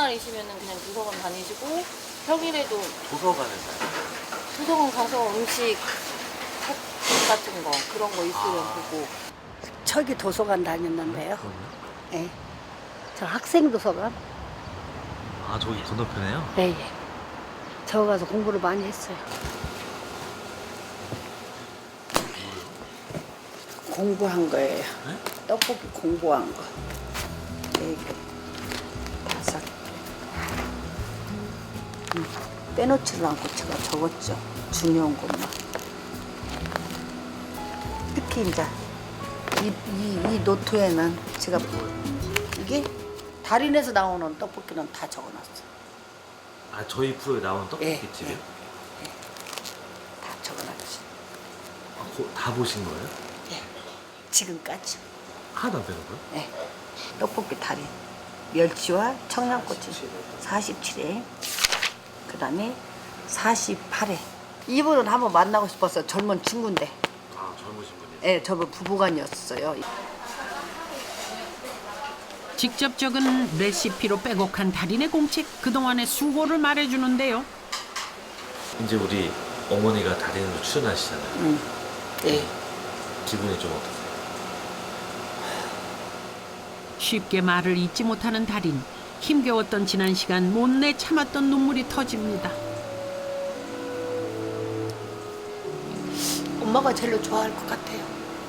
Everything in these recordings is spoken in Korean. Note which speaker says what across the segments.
Speaker 1: 주말이시면은 그냥 도서관 다니시고 평일에도
Speaker 2: 도서관에서요?
Speaker 1: 도서관 가서 음식 책 같은 거 그런 거 있으면 보고.
Speaker 3: 저기 도서관 다녔는데요.
Speaker 2: 그럼요?
Speaker 3: 예. 저 학생 도서관.
Speaker 2: 아, 저기 건너편에요?
Speaker 3: 예, 예. 저 가서 공부를 많이 했어요. 공부한 거예요.
Speaker 2: 네?
Speaker 3: 떡볶이 공부한 거. 4개, 5개. 빼놓지를 않고 제가 적었죠. 중요한 것만. 특히 이제 이 노트에는 제가 이게 달인에서 나오는 떡볶이는 다 적어놨어요.
Speaker 2: 아, 저희 프로에 나온
Speaker 3: 예,
Speaker 2: 떡볶이집이요?
Speaker 3: 다 적어놨지.
Speaker 2: 아, 다 보신 거예요?
Speaker 3: 예. 지금까지.
Speaker 2: 하나도 안 빼놓고요?
Speaker 3: 네. 떡볶이 달인. 멸치와 청양고추 47회. 그 다음에 48회. 이분은 한번 만나고 싶었어요. 젊은 친구인데.
Speaker 2: 아, 젊으신 분이요?
Speaker 3: 예, 저분 부부간이었어요.
Speaker 4: 직접 적은 레시피로 빼곡한 달인의 공책, 그동안의 수고를 말해주는데요.
Speaker 2: 이제 우리 어머니가 달인으로 출연하시잖아요.
Speaker 3: 예.
Speaker 2: 기분이 좀 어떠세요?
Speaker 4: 쉽게 말을 잊지 못하는 달인. 힘겨웠던 지난 시간 못내 참았던 눈물이 터집니다.
Speaker 3: 엄마가 제일 좋아할 것 같아요.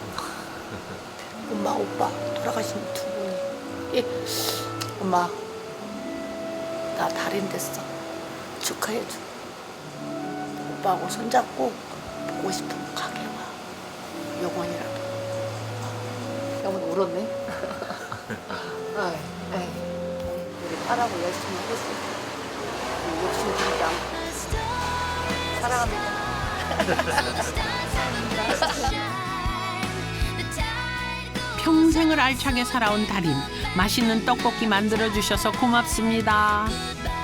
Speaker 3: 엄마, 오빠 돌아가신 두 분이. 예. 엄마, 나 달인 됐어. 축하해줘. 오빠하고 손잡고 보고 싶으면 가게 와. 영원이라도. 영원 울었네. 우리 딸하고 열심히 하겠습니다. 욕심 부리지 않고. 사랑합니다.
Speaker 4: 평생을 알차게 살아온 달인. 맛있는 떡볶이 만들어주셔서 고맙습니다.